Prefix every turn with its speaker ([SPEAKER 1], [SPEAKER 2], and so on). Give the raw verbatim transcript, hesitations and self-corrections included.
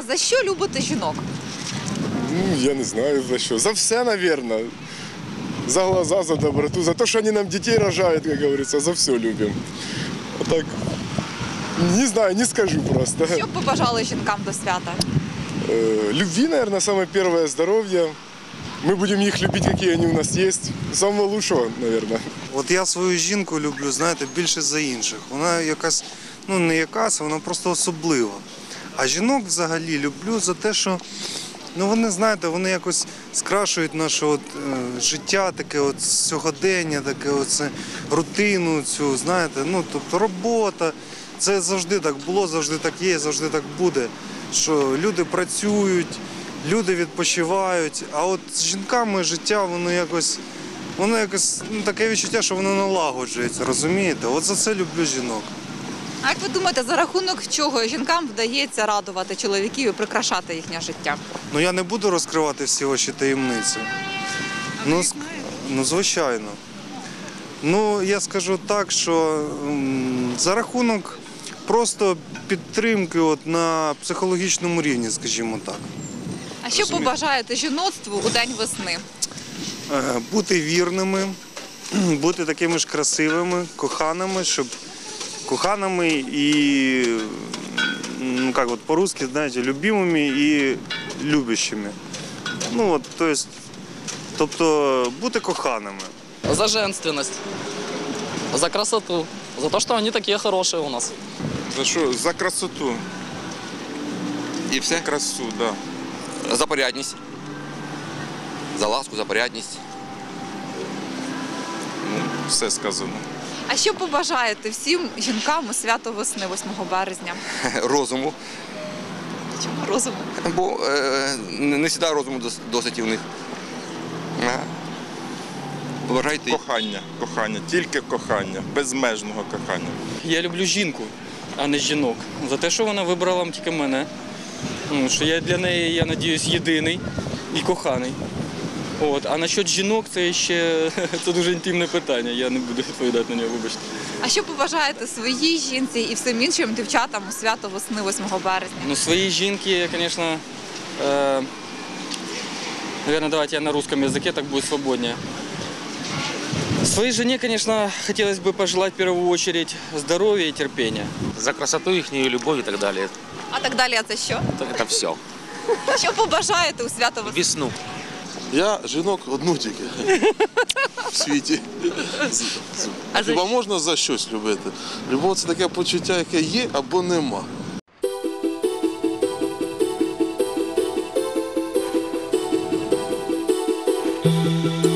[SPEAKER 1] За що любите жінок?
[SPEAKER 2] Ну, я не знаю за що. За все, мабуть. За глаза, за доброту, за те, що вони нам дітей рожають, як говориться, за все любимо. А так, не знаю, не скажу просто.
[SPEAKER 1] Що б побажали жінкам до свята?
[SPEAKER 2] Э, Любви, наверное, самое первое, здоровье. Мы будем их любить, какие они у нас есть. Самого лучшего, наверное.
[SPEAKER 3] От я свою жінку люблю, знаєте, більше за інших. Вона якась, ну не якась, вона просто особлива. А жінок взагалі люблю за те, що ну вони, знаєте, вони якось скрашують наше от, е, життя, таке от сьогодення, таке оце рутину цю, знаєте, ну тобто робота. Це завжди так було, завжди так є, завжди так буде. Що люди працюють, люди відпочивають, а от з жінками життя, воно якось, воно якось, ну таке відчуття, що воно налагоджується, розумієте? От за це люблю жінок.
[SPEAKER 1] А як ви думаєте, за рахунок чого жінкам вдається радувати чоловіків і прикрашати їхнє життя?
[SPEAKER 3] Ну я не буду розкривати всі ваші таємниці. Ну, ск- ну, звичайно. Ну, я скажу так, що м, за рахунок просто підтримки от на психологічному рівні, скажімо так.
[SPEAKER 1] А що побажаєте жіноцтву у день весни?
[SPEAKER 3] Е, Бути вірними, бути такими ж красивими, коханими, щоб коханими і, ну як от по-русски, знаєте, любимими і любящими. Ну от, то есть, тобто бути коханими.
[SPEAKER 4] За женственность, за красоту, за то, что они такие хорошие у нас.
[SPEAKER 5] За що? За красоту.
[SPEAKER 6] І все?
[SPEAKER 5] Красу, так. Да.
[SPEAKER 6] За порядність. За ласку, за порядність.
[SPEAKER 5] Ну, все сказано.
[SPEAKER 1] А що побажаєте всім жінкам у свято весни, восьмого березня?
[SPEAKER 6] Розуму.
[SPEAKER 1] Чому розуму?
[SPEAKER 6] Бо е, не не завжди розуму дос- досить і в них. А. Побажайте.
[SPEAKER 5] Кохання, кохання, тільки кохання, безмежного кохання.
[SPEAKER 7] Я люблю жінку, а не жінок. За те, що вона вибрала тільки мене. Ну, що я для неї, я сподіваюся, єдиний і коханий. От. А насчет жінок це ще це дуже інтимне питання, я не буду відповідати на нього, вибачте.
[SPEAKER 1] А що побажаєте своїй жінці і всім іншим дівчатам у свято весни, восьмого березня?
[SPEAKER 7] Ну, своей жінки, конечно, э, наверное, давайте я на русском языке, так будет свободнее. Своей жене, конечно, хотелось бы пожелать в первую очередь здоровья и терпения.
[SPEAKER 8] За красоту їхню, любов і так далі.
[SPEAKER 1] А так далі, а це що?
[SPEAKER 8] Це все.
[SPEAKER 1] Що побажаєте у свято весни?
[SPEAKER 8] Весну.
[SPEAKER 9] Я жінок одну тільки в світі.
[SPEAKER 1] А за
[SPEAKER 9] Хіба
[SPEAKER 1] що?
[SPEAKER 9] можна за щось любити? Любов – це таке почуття, яке є або нема.
[SPEAKER 10] Thank you.